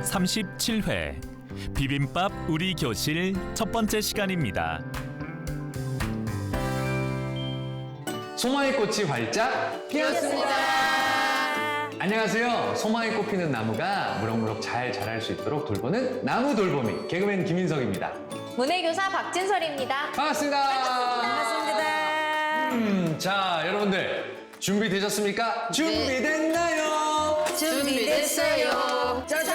37회 비빔밥 우리 교실 첫 번째 시간입니다. 소망의 꽃이 활짝 피었습니다. 안녕하세요. 소망의 꽃 피는 나무가 무럭무럭 잘 자랄 수 있도록 돌보는 나무 돌보미 개그맨 김인석입니다. 문해교사 박진설입니다. 반갑습니다. 반갑습니다. 자, 여러분들 준비되셨습니까? 준비됐나요? 준비됐어요. 짜잔!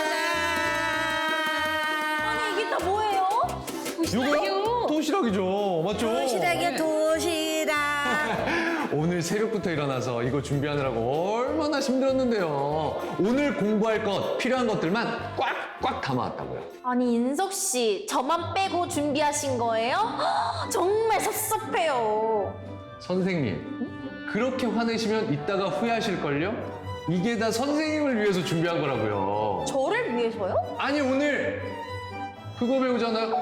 아니 이게 다 뭐예요? 이거요? 도시락이죠. 맞죠? 도시락이야 도시락. 오늘 새벽부터 일어나서 이거 준비하느라고 얼마나 힘들었는데요. 오늘 공부할 것, 필요한 것들만 꽉꽉 담아왔다고요. 아니 인석 씨 저만 빼고 준비하신 거예요? 헉, 정말 섭섭해요. 선생님, 그렇게 화내시면 이따가 후회하실걸요? 이게 다 선생님을 위해서 준비한 거라고요. 저를 위해서요? 아니, 오늘 그거 배우잖아요.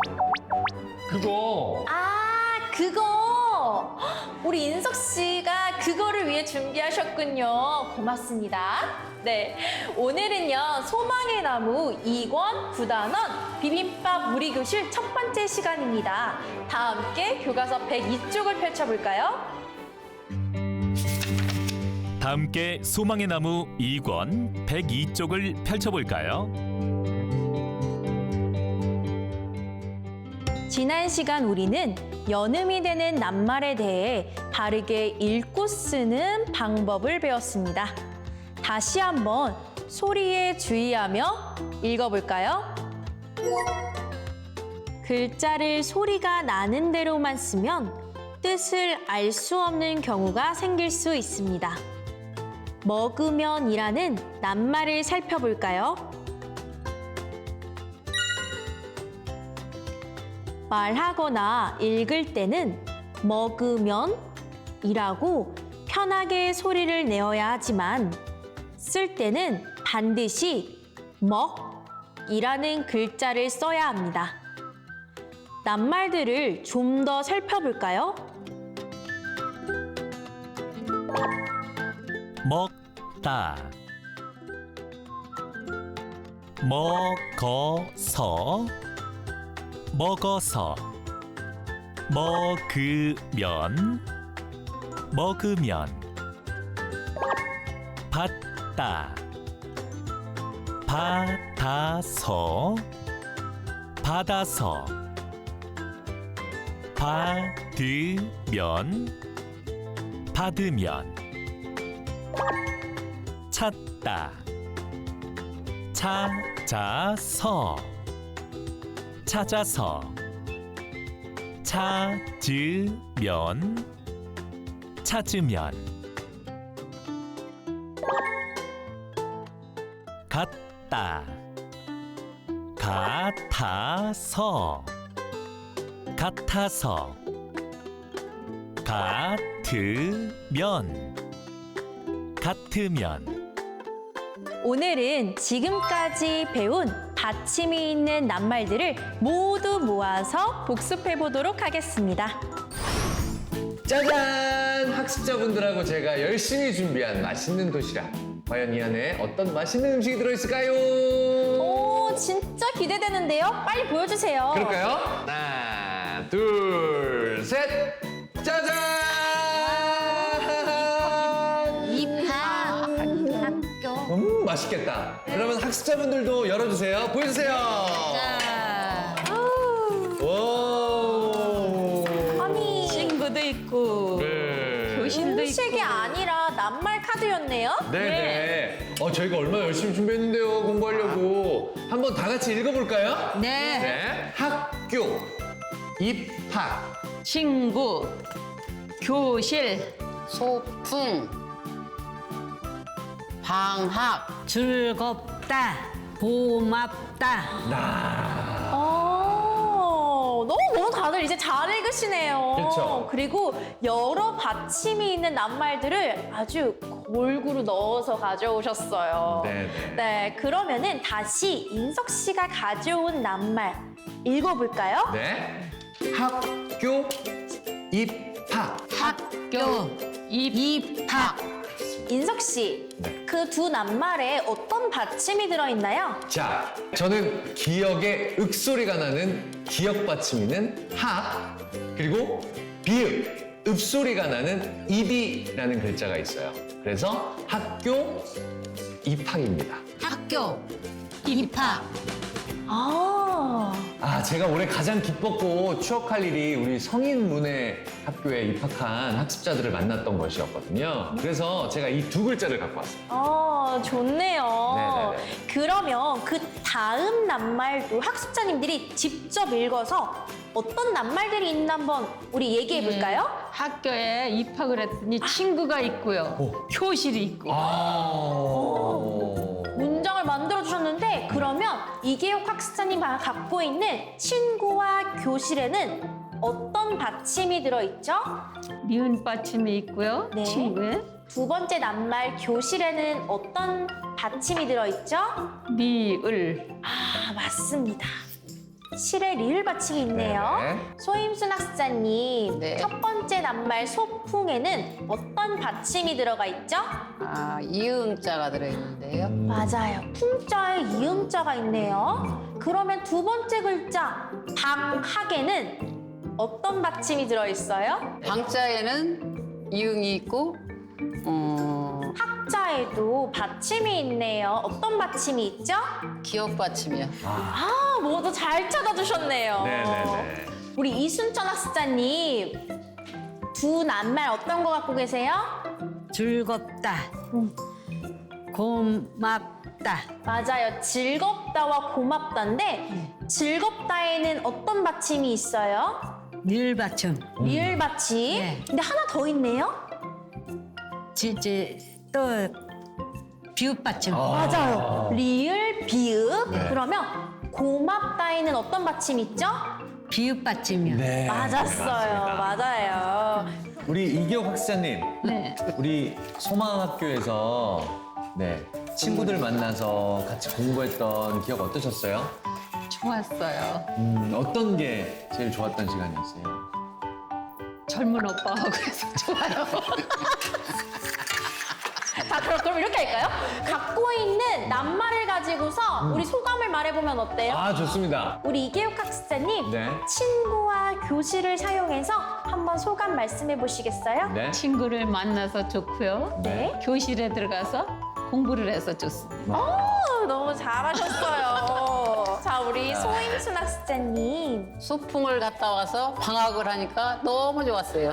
그거. 아 그거 우리 인석 씨가 그거를 위해 준비하셨군요. 고맙습니다. 네, 오늘은요 소망의 나무 2권 9단원 비빔밥 우리 교실 첫 번째 시간입니다. 다 함께 교과서 102쪽을 펼쳐볼까요? 다 함께 소망의 나무 2권 102쪽을 펼쳐볼까요? 지난 시간 우리는 연음이 되는 낱말에 대해 바르게 읽고 쓰는 방법을 배웠습니다. 다시 한번 소리에 주의하며 읽어볼까요? 글자를 소리가 나는 대로만 쓰면 뜻을 알 수 없는 경우가 생길 수 있습니다. 먹으면이라는 낱말을 살펴볼까요? 말하거나 읽을 때는 먹으면이라고 편하게 소리를 내어야 하지만 쓸 때는 반드시 먹이라는 글자를 써야 합니다. 낱말들을 좀 더 살펴볼까요? 먹다, 먹어서, 먹어서, 먹으면, 먹으면, 받다, 받아서, 받아서, 받으면, 받으면, 찾다, 찾아서, 찾아서, 찾으면, 찾으면, 같다, 같아서, 같아서, 같으면, 같으면. 오늘은 지금까지 배운 받침이 있는 낱말들을 모두 모아서 복습해 보도록 하겠습니다. 짜잔! 학습자분들하고 제가 열심히 준비한 맛있는 도시락. 과연 이 안에 어떤 맛있는 음식이 들어있을까요? 오, 진짜 기대되는데요? 빨리 보여주세요. 그럴까요? 하나, 둘, 셋! 짜잔! 입학 학교. 맛있겠다. 그러면 학습자분들도 열어주세요. 보여주세요. 자, 오. 아니, 친구도 있고 네. 교실도 음식이 있고. 아니라 낱말 카드였네요? 네네. 저희가 얼마나 열심히 준비했는데요, 공부하려고. 한번 다 같이 읽어볼까요? 네. 네. 학교, 입학, 친구, 교실, 소풍, 방학, 즐겁다, 고맙다. 너무 다들 이제 잘 읽으시네요. 그렇죠. 그리고 여러 받침이 있는 낱말들을 아주 골고루 넣어서 가져오셨어요. 네네. 네, 그러면은 다시 인석 씨가 가져온 낱말 읽어볼까요? 네. 학교, 입학. 학교, 입학, 인석 씨, 네. 그 두 낱말에 어떤 받침이 들어있나요? 자, 저는 기역의 윽소리가 나는 기역 받침이는 학, 그리고 비읍, 읍소리가 나는 입이라는 글자가 있어요. 그래서 학교 입학입니다. 학교 입학. 제가 올해 가장 기뻤고 추억할 일이 우리 성인문예 학교에 입학한 학습자들을 만났던 것이었거든요. 그래서 제가 이 두 글자를 갖고 왔어요. 좋네요. 네네네. 그러면 그 다음 낱말도 학습자님들이 직접 읽어서 어떤 낱말들이 있나 한번 우리 얘기해 볼까요? 학교에 입학을 했더니 친구가 있고요. 교실이 있고. 문장을 만들어 주셨는데 그러면 이계혁 학습자님 갖고 있는 친구와 교실에는 어떤 받침이 들어있죠? 니은 받침이 있고요. 네. 친구에 두 번째 낱말 교실에는 어떤 받침이 들어있죠? 리을. 맞습니다. 실에 리을 받침이 있네요. 네. 소임순 학습자님, 네. 첫 번째 낱말 소풍에는 어떤 받침이 들어가 있죠? 이응자가 들어있는데요. 맞아요. 풍자에 이음자가 있네요. 그러면 두 번째 글자 박학에는 어떤 받침이 들어있어요? 방자에는 이응이 있고, 학자에도 받침이 있네요. 어떤 받침이 있죠? 기억 받침이요. 모두 잘 찾아주셨네요. 네네네. 우리 이순천 학습자님, 두 낱말 어떤 거 갖고 계세요? 즐겁다. 고맙다. 맞아요. 즐겁다와 고맙다인데 즐겁다에는 어떤 받침이 있어요? 리을 받침. 리을 받침. 네. 근데 하나 더 있네요. 또 비읍 받침. 맞아요. 리을, 비읍. 네. 그러면 고맙다에는 어떤 받침이 있죠? 비읍 받침이요. 네. 맞았어요. 맞아요. 우리 이기혁 학습자님, 네. 우리 소망학교에서 친구들 만나서 같이 공부했던 기억 어떠셨어요? 좋았어요. 어떤 게 제일 좋았던 시간이었어요? 젊은 오빠하고 해서 좋아요. 자, 그럼 이렇게 할까요? 갖고 있는 낱말을 가지고서 우리 소감을 말해보면 어때요? 좋습니다. 우리 이계욱 학습자님, 네. 친구와 교실을 사용해서 한번 소감 말씀해 보시겠어요? 네. 친구를 만나서 좋고요. 네. 교실에 들어가서 공부를 해서 좋습니다. 너무 잘하셨어요. 자, 우리 소임순 학습자님. 소풍을 갔다 와서 방학을 하니까 너무 좋았어요.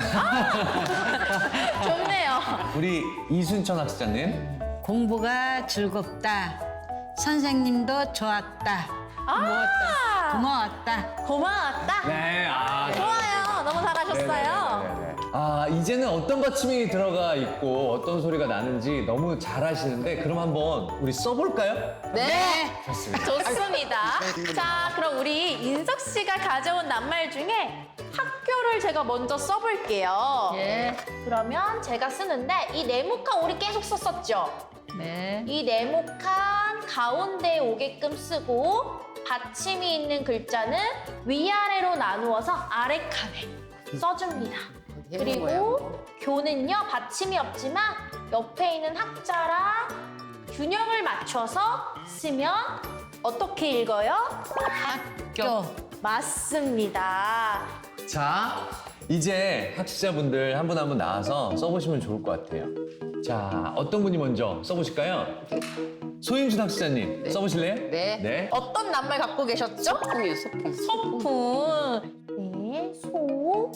좋네요. 우리 이순천 학습자님. 공부가 즐겁다. 선생님도 좋았다. 고마웠다. 고마웠다. 네. 좋아요. 너무 잘하셨어요. 이제는 어떤 받침이 들어가 있고 어떤 소리가 나는지 너무 잘 아시는데 그럼 한번 우리 써볼까요? 네. 좋습니다. 좋습니다. 자, 그럼 우리 인석 씨가 가져온 낱말 중에 학교를 제가 먼저 써볼게요. 예. 그러면 제가 쓰는데 이 네모칸 우리 계속 썼었죠? 네. 이 네모칸 가운데에 오게끔 쓰고 받침이 있는 글자는 위아래로 나누어서 아래 칸에 써줍니다. 그리고 교는요, 받침이 없지만 옆에 있는 학자랑 균형을 맞춰서 쓰면 어떻게 읽어요? 학교. 맞습니다. 자, 이제 학습자분들 한 분 한 분 나와서 써보시면 좋을 것 같아요. 자, 어떤 분이 먼저 써보실까요? 소임순 학습자님, 써보실래요? 네. 어떤 낱말 갖고 계셨죠? 소풍이요, 소풍. 소풍. 네, 소.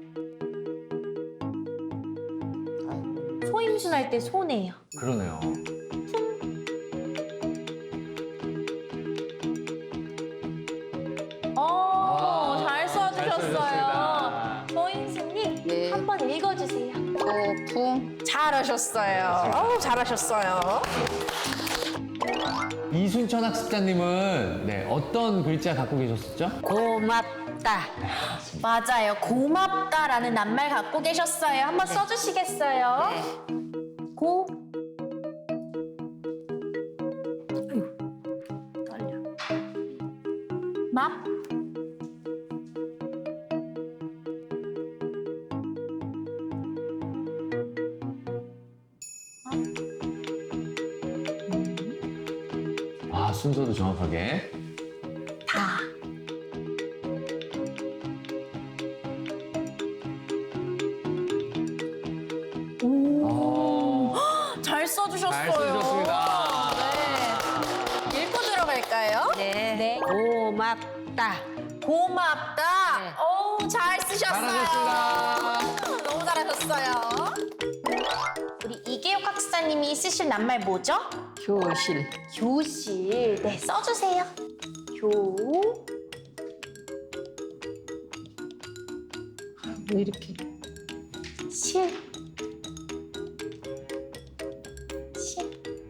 소임순 할 때 소네요. 그러네요. 잘 써주셨어요. 써주셨습니다. 소임순님, 네. 한번 읽어주세요. 소풍. 잘하셨어요. 잘하셨어요. 이순천 학습자님은 어떤 글자 갖고 계셨었죠? 고맙다. 맞아요. 고맙다라는 낱말 갖고 계셨어요. 한번 써주시겠어요? 고. 떨려. 맙. 아, 순서도 정확하게. 다. 잘 써주셨어요. 잘 써주셨습니다. 네. 읽고 들어갈까요? 네. 고맙다. 고맙다. 네. 어우, 잘 쓰셨어요. 잘하셨습니다. 너무 잘하셨어요. 우리 이계욱 학사님이 쓰실 낱말 뭐죠? 교실. 교실. 네, 써주세요. 왜 이렇게. 실. 실.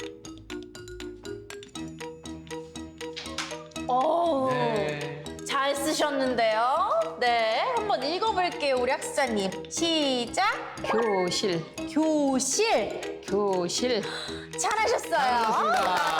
오, 네. 잘 쓰셨는데요. 네, 한번 읽어볼게요, 우리 학사님. 시작. 교실. 교실. 교실. 잘하셨어요.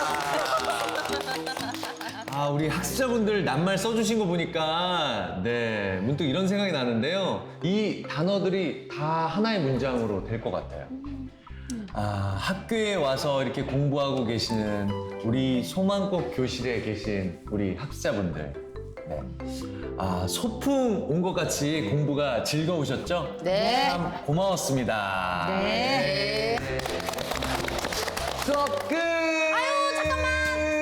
아, 우리 학습자분들 낱말 써주신 거 보니까 네, 문득 이런 생각이 나는데요. 이 단어들이 다 하나의 문장으로 될 것 같아요. 아, 학교에 와서 이렇게 공부하고 계시는 우리 소망꽃 교실에 계신 우리 학습자분들. 네. 아, 소풍 온 것 같이 공부가 즐거우셨죠? 네. 참 고마웠습니다. 네. 수업 끝! 아유, 잠깐만.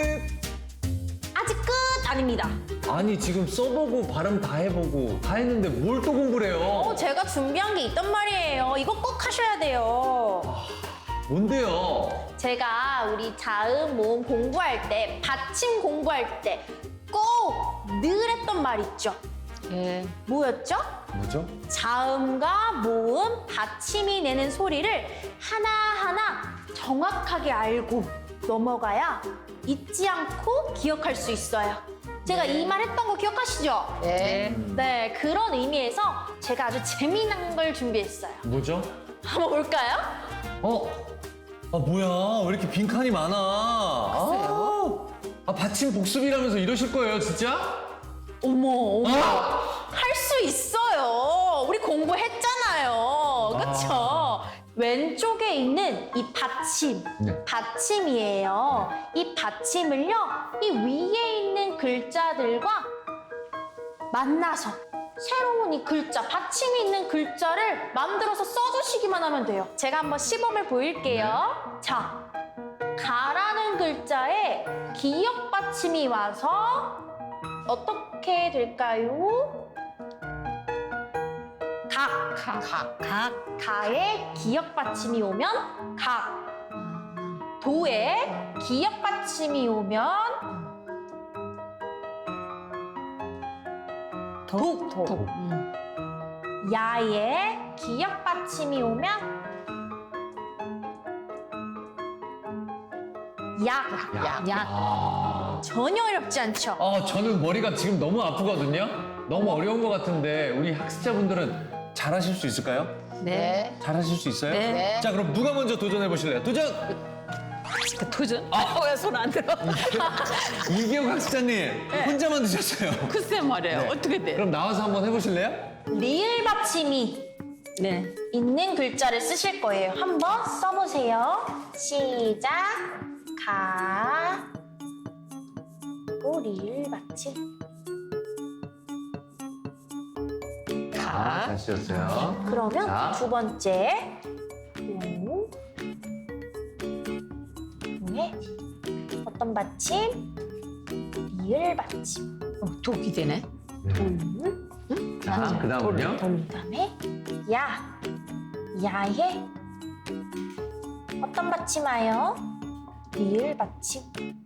아직 끝 아닙니다. 아니, 지금 써보고 발음 다 해보고 다 했는데 뭘 또 공부를 해요? 제가 준비한 게 있단 말이에요. 이거 꼭 하셔야 돼요. 뭔데요? 제가 우리 자음, 모음 공부할 때, 받침 공부할 때 꼭 늘 했던 말 있죠? 예. 뭐였죠? 뭐죠? 자음과 모음, 받침이 내는 소리를 하나하나 정확하게 알고 넘어가야 잊지 않고 기억할 수 있어요. 제가 이 말 했던 거 기억하시죠? 네. 네, 그런 의미에서 제가 아주 재미난 걸 준비했어요. 뭐죠? 한번 볼까요? 아, 뭐야? 왜 이렇게 빈칸이 많아? 아, 받침 복습이라면서 이러실 거예요, 진짜? 어머, 아! 할 수 있어요. 우리 공부했잖아요. 그쵸? 왼쪽에 있는 이 받침, 네. 받침이에요. 이 받침을요, 이 위에 있는 글자들과 만나서 새로운 이 글자, 받침이 있는 글자를 만들어서 써주시기만 하면 돼요. 제가 한번 시범을 보일게요. 자, 가라는 글자에 기역 받침이 와서 어떻게 될까요? 가에 기역 받침이 오면 각. 도에 기역 받침이 오면 독. 야에 기역 받침이 오면 약. 전혀 어렵지 않죠? 저는 머리가 지금 너무 아프거든요? 너무 어려운 것 같은데 우리 학습자분들은 잘하실 수 있을까요? 네. 잘하실 수 있어요? 네. 자, 그럼 누가 먼저 도전해 보실래요? 도전! 도전? 왜 손 안 들어? 이기영 학습자님 혼자만 드셨어요. 글쎄 말이에요. 어떻게 돼? 그럼 나와서 한번 해보실래요? 리을 받침이 네. 있는 글자를 쓰실 거예요. 한번 써보세요. 시작. 가. 또 리을 받침. 잘 쓰셨어요. 그러면 자. 두 번째. 오. 네. 어떤 받침? 리을 받침. 독이 되네. 자, 그 다음은요? 그다음에 야. 야에 어떤 받침 와요? 리을 받침.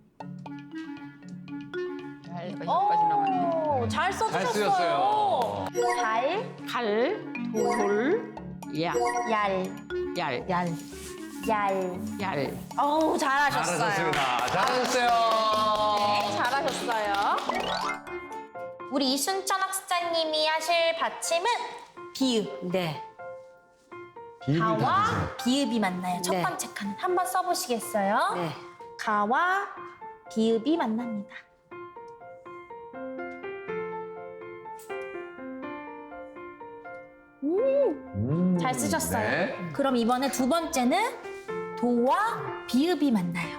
여기까지 나왔네. 오, 잘 써주셨어요. 잘 쓰셨어요. 갈, 돌, 약, 얄, 얄. 얄. 어우, 잘하셨어요. 잘하셨습니다. 잘하셨어요. 네, 잘하셨어요. 우리 이순천 학습자님이 하실 받침은 비읍. 네. 비읍이 가와 다르세요. 비읍이 만나요. 첫 네. 번째 칸은 한번 써보시겠어요? 네. 가와 비읍이 만납니다. 잘 쓰셨어요. 네. 그럼 이번에 두 번째는 도와 비읍이 만나요.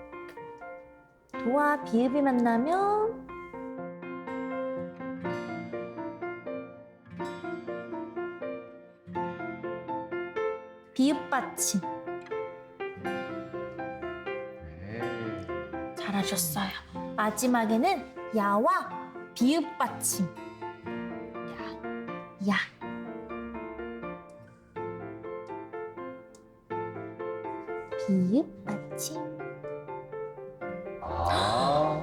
도와 비읍이 만나면 비읍 받침. 네. 잘하셨어요. 마지막에는 야와 비읍 받침. 야. 비읍 받침. 아.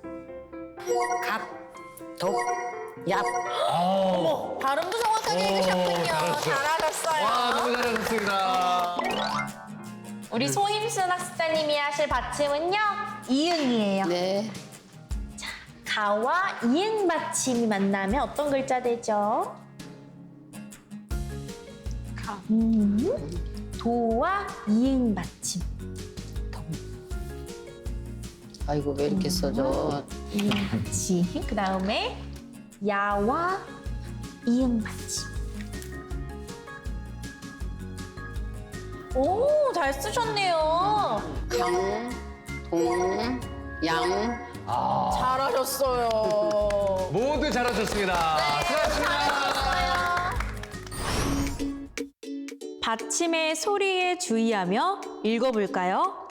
갑, 독, 얍. 어머. 발음도 정확하게 해주셨군요. 잘하셨어요. 잘하셨어요. 와, 너무 잘하셨습니다. 우리 소임순 학습자님이 하실 받침은요, 이응이에요. 네. 가와 이응 받침이 만나면 어떤 글자 되죠? 가. 도와 이응 받침. 아이고, 왜 이렇게 써줘? 이응 받침. 그 다음에 야와 이응 받침. 오, 잘 쓰셨네요. 강, 동, 양. 아. 잘하셨어요. 모두 잘하셨습니다. 수고하셨습니다. 받침의 소리에 주의하며 읽어볼까요?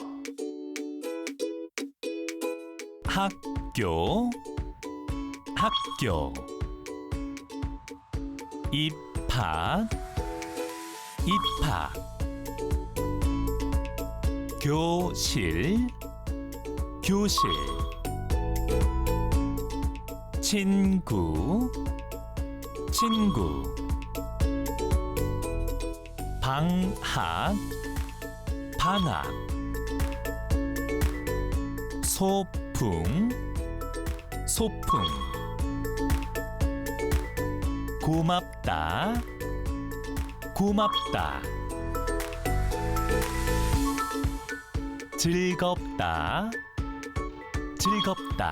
학교 학교 입학 입학 교실 교실 친구 친구 방학 방학 소풍 소풍 고맙다 고맙다 즐겁다 즐겁다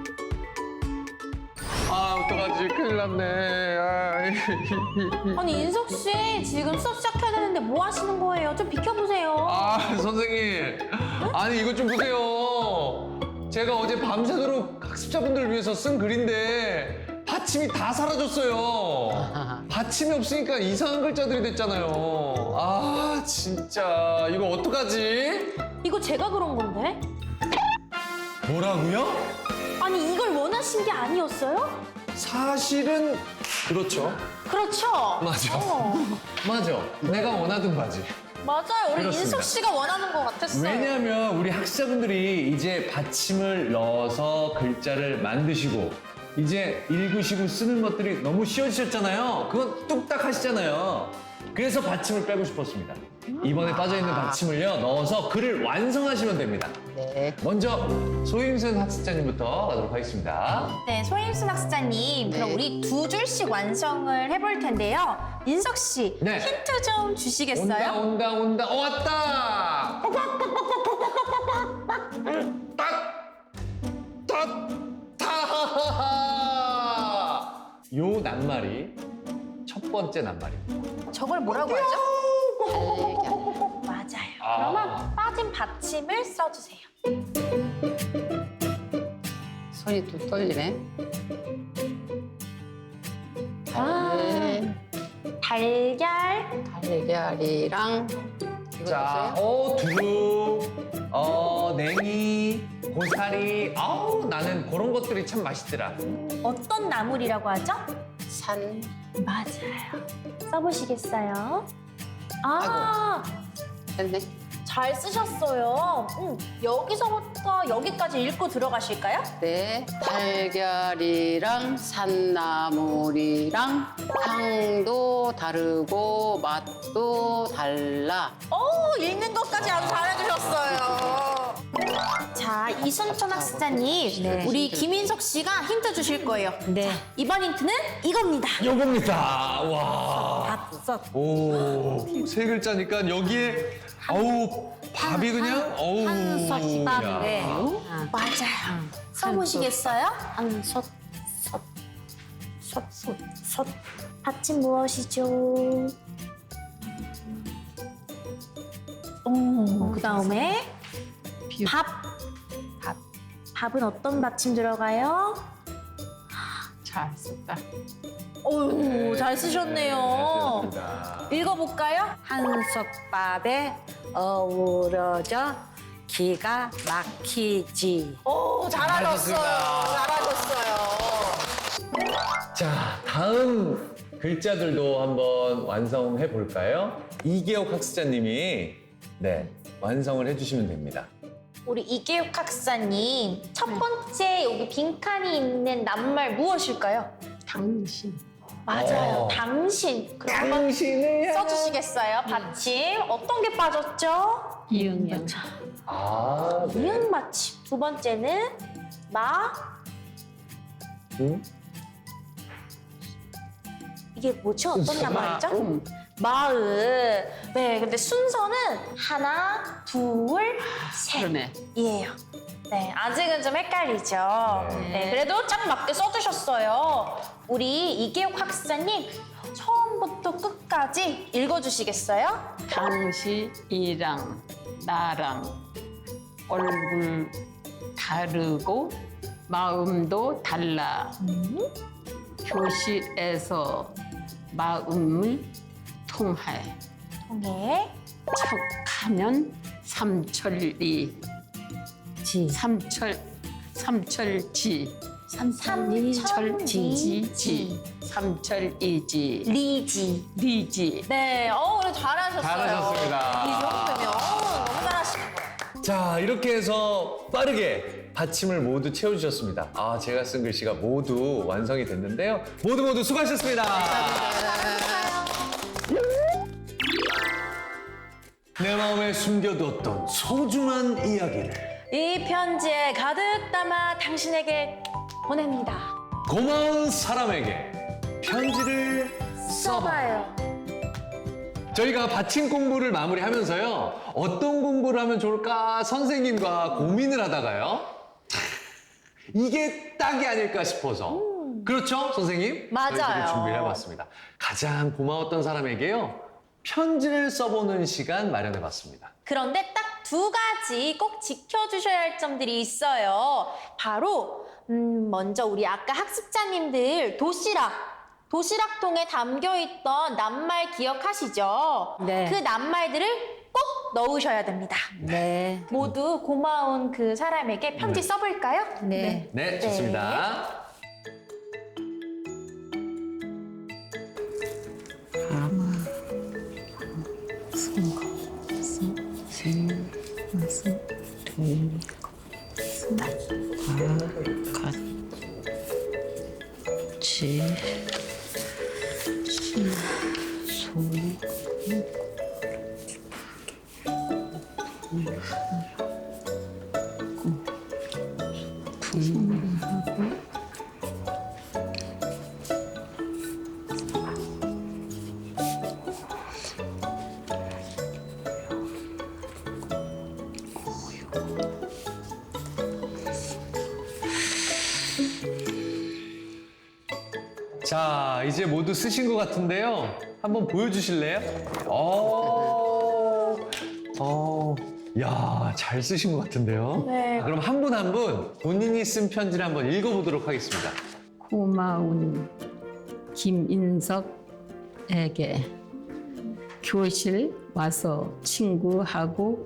아, 어떡하지? 큰일 났네. 아니 인석 씨 지금 수업 시작해야 되는데 뭐 하시는 거예요? 좀 비켜보세요. 아, 선생님. 아니, 이것 좀 보세요. 제가 어제 밤새도록 학습자분들을 위해서 쓴 글인데 받침이 다 사라졌어요. 받침이 없으니까 이상한 글자들이 됐잖아요. 아, 진짜. 이거 어떡하지? 이거 제가 그런 건데? 뭐라고요? 아니 이걸 원하신 게 아니었어요? 사실은 그렇죠. 그렇죠? 맞아. 어, 맞아. 내가 원하던 바지. 맞아요. 우리 그렇습니다. 인석 씨가 원하는 것 같았어요. 왜냐하면 우리 학습자분들이 이제 받침을 넣어서 글자를 만드시고 이제 읽으시고 쓰는 것들이 너무 쉬워지셨잖아요. 그건 뚝딱 하시잖아요. 그래서 받침을 빼고 싶었습니다. 이번에 빠져있는 받침을요 넣어서 글을 완성하시면 됩니다. 네. 먼저 소임순 학습자님부터 가도록 하겠습니다. 네, 소임순 학습자님, 그럼 네. 우리 두 줄씩 완성을 해볼 텐데요. 인석 씨, 네. 힌트 좀 주시겠어요? 온다. 왔다! 요 낱말이 첫 번째 낱말입니다. 저걸 뭐라고 하죠? 달걀. 맞아요. 아. 그러면 빠진 받침을 써주세요. 손이 또 떨리네. 아. 달걀, 달걀이랑 이거 자, 있어요? 두루, 냉이, 고사리. 아우, 나는 그런 것들이 참 맛있더라. 어떤 나물이라고 하죠? 산. 맞아요. 써보시겠어요? 아, 됐네. 잘 쓰셨어요. 여기서부터 여기까지 읽고 들어가실까요? 네. 달걀이랑 산나물이랑 향도 다르고 맛도 달라. 읽는 것까지 아주 잘해주셨어요. 자, 이순천 학습자님, 네. 우리 김인석 씨가 힌트 주실 거예요. 네. 이번 힌트는 이겁니다. 요겁니다. 와. 밥솥. 오, 세 글자니까 여기에 어우, 밥이 그냥 어우. 한솥밥. 야. 네. 맞아요. 써보시겠어요? 한솥. 솥. 받침 무엇이죠? 그다음에 비육. 밥은 어떤 받침 들어가요? 잘 썼다. 어우, 잘 쓰셨네요. 좋습니다. 읽어볼까요? 한솥밥에 어우러져 기가 막히지. 오, 잘하셨어요. 잘하셨어요. 자, 다음 글자들도 한번 완성해 볼까요? 이계옥 학습자님이 네, 완성을 해주시면 됩니다. 우리 이계욱 학사님, 첫 번째 여기 빈칸이 있는 낱말 무엇일까요? 당신. 맞아요. 당신. 그럼 한번 당신을 써주시겠어요? 받침. 어떤 게 빠졌죠? 이응이응. 아, 네. 이응 받침. 두 번째는 응? 이게 뭐죠? 어떤 낱말이죠? 마음. 마음. 네, 근데 순서는 하나, 둘, 셋. 그러네. 이에요. 네, 아직은 좀 헷갈리죠. 네, 그래도 딱 맞게 써주셨어요. 우리 이계옥 학사님, 처음부터 끝까지 읽어주시겠어요? 당신이랑 나랑 얼굴 다르고 마음도 달라. 교실에서 마음을 통해 통해. 척하면 삼천리 지. 삼철지 삼천리지. 삼철이지 리지. 리지. 네, 그래 잘하셨어요. 잘하셨습니다. 이 정도면 너무 잘하시는 거예요. 자, 이렇게 해서 빠르게 받침을 모두 채워주셨습니다. 아, 제가 쓴 글씨가 모두 완성이 됐는데요. 모두 수고하셨습니다. 내 마음에 숨겨두었던 소중한 이야기를 이 편지에 가득 담아 당신에게 보냅니다. 고마운 사람에게 편지를 써봐요. 저희가 받침 공부를 마무리하면서요. 어떤 공부를 하면 좋을까 선생님과 고민을 하다가요. 이게 딱이 아닐까 싶어서. 그렇죠, 선생님? 맞아요. 저희들이 준비를 해봤습니다. 가장 고마웠던 사람에게요. 편지를 써보는 시간 마련해봤습니다. 그런데 딱 두 가지 꼭 지켜주셔야 할 점들이 있어요. 바로 먼저 우리 아까 학습자님들 도시락통에 담겨있던 낱말 기억하시죠? 네. 그 낱말들을 꼭 넣으셔야 됩니다. 네. 모두 고마운 그 사람에게 편지 써볼까요? 네. 네, 좋습니다. 지 자, 이제 모두 쓰신 것 같은데요. 한번 보여주실래요? 야, 잘 쓰신 것 같은데요. 네. 그럼 한 분 한 분 본인이 쓴 편지를 한번 읽어보도록 하겠습니다. 고마운 김인석에게 교실 와서 친구하고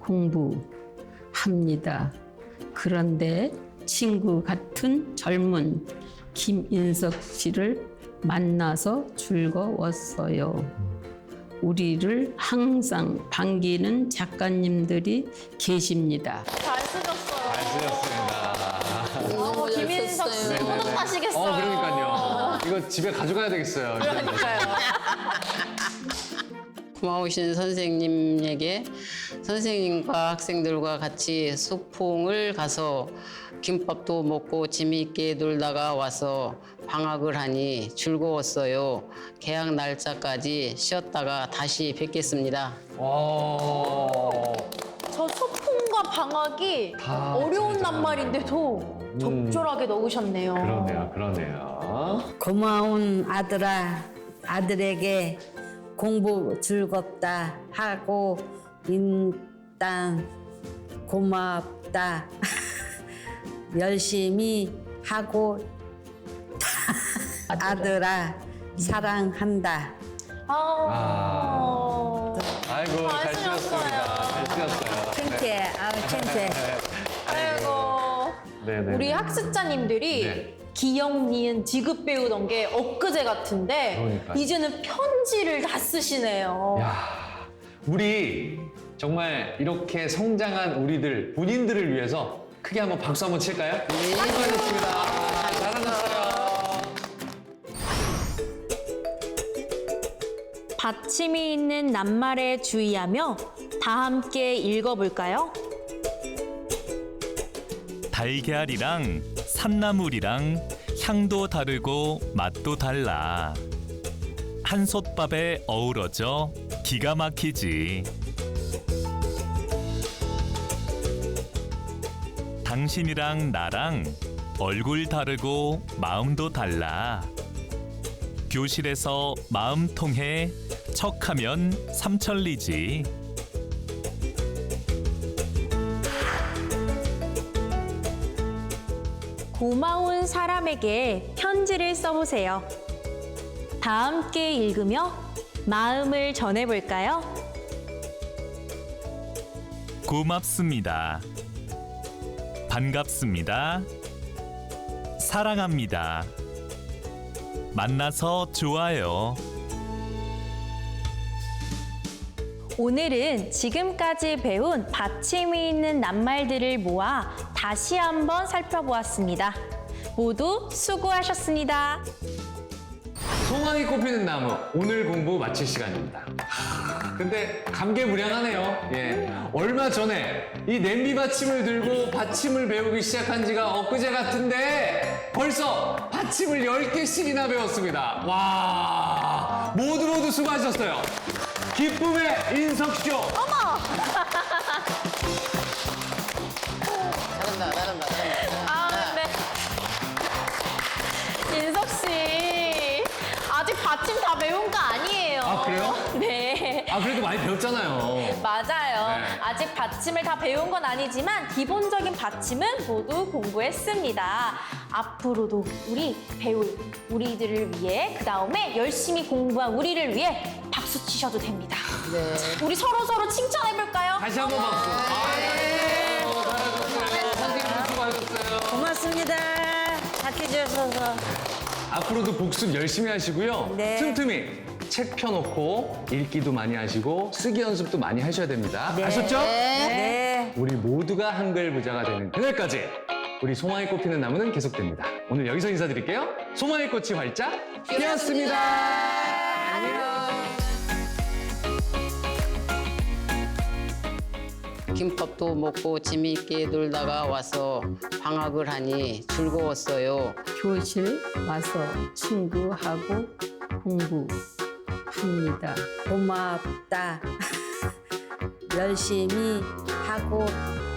공부합니다. 그런데 친구 같은 젊은 김인석 씨를 만나서 즐거웠어요. 우리를 항상 반기는 작가님들이 계십니다. 잘 쓰셨어요. 잘 쓰셨습니다. 김인석 씨 네네네. 뿌듯하시겠어요. 그러니까요. 이거 집에 가져가야 되겠어요. 그러니까요. 고마우신 선생님에게 선생님과 학생들과 같이 소풍을 가서 김밥도 먹고 재미있게 놀다가 와서 방학을 하니 즐거웠어요. 개학 날짜까지 쉬었다가 다시 뵙겠습니다. 저 소풍과 방학이 다 어려운 잘 낱말인데도 적절하게 넣으셨네요. 그러네요. 고마운 아들아, 아들에게 공부 즐겁다 하고 일단 고맙다. 열심히 하고 아들아 사랑한다. 아이고, 잘 쓰셨습니다. 잘 쓰셨어요. 창피해. 창피해. 아이고. 네네. 우리 학습자님들이 네. 기역, 니은, 디귿 배우던 게 엊그제 같은데 그러니까요. 이제는 편지를 다 쓰시네요. 야, 우리 정말 이렇게 성장한 우리들, 본인들을 위해서 크게 한번 박수 한번 칠까요? 수고하셨습니다. 잘하셨어요. 받침이 있는 낱말에 주의하며 다 함께 읽어볼까요? 달걀이랑 산나물이랑 향도 다르고 맛도 달라. 한솥밥에 어우러져 기가 막히지. 당신이랑 나랑 얼굴 다르고 마음도 달라. 교실에서 마음 통해 척하면 삼천리지. 고마운 사람에게 편지를 써보세요. 다 함께 읽으며 마음을 전해볼까요? 고맙습니다. 반갑습니다. 사랑합니다. 만나서 좋아요. 오늘은 지금까지 배운 받침이 있는 낱말들을 모아 다시 한번 살펴보았습니다. 모두 수고하셨습니다. 소망이 꽃피는 나무, 오늘 공부 마칠 시간입니다. 근데 감개무량하네요. 예. 얼마 전에 이 냄비 받침을 들고 받침을 배우기 시작한 지가 엊그제 같은데 벌써 받침을 10개씩이나 배웠습니다. 와, 모두 수고하셨어요. 기쁨의 인석쇼. 잘한다. 인석 씨, 아직 받침 다 배운 거 아니에요. 아, 그래요? 네. 아, 그래도 많이 배웠잖아요. 맞아요. 네. 아직 받침을 다 배운 건 아니지만 기본적인 받침은 모두 공부했습니다. 앞으로도 우리 배울 우리들을 위해 그 다음에 열심히 공부한 우리를 위해 박수 치셔도 됩니다. 네. 우리 서로 칭찬해볼까요? 다시 한번 박수. 잘하셨어요. 선생님 수고하셨어요. 고맙습니다. 가르쳐 주셔서. 앞으로도 복습 열심히 하시고요. 네. 틈틈이 책 펴놓고 읽기도 많이 하시고 쓰기 연습도 많이 하셔야 됩니다. 아셨죠? 네. 우리 모두가 한글 부자가 되는 그날까지 우리 소망이 꽃피는 나무는 계속됩니다. 오늘 여기서 인사드릴게요. 소망의 꽃이 활짝 피었습니다. 안녕. 김밥도 먹고 재미있게 놀다가 와서 방학을 하니 즐거웠어요. 교실 와서 친구하고 공부합니다. 고맙다. 열심히 하고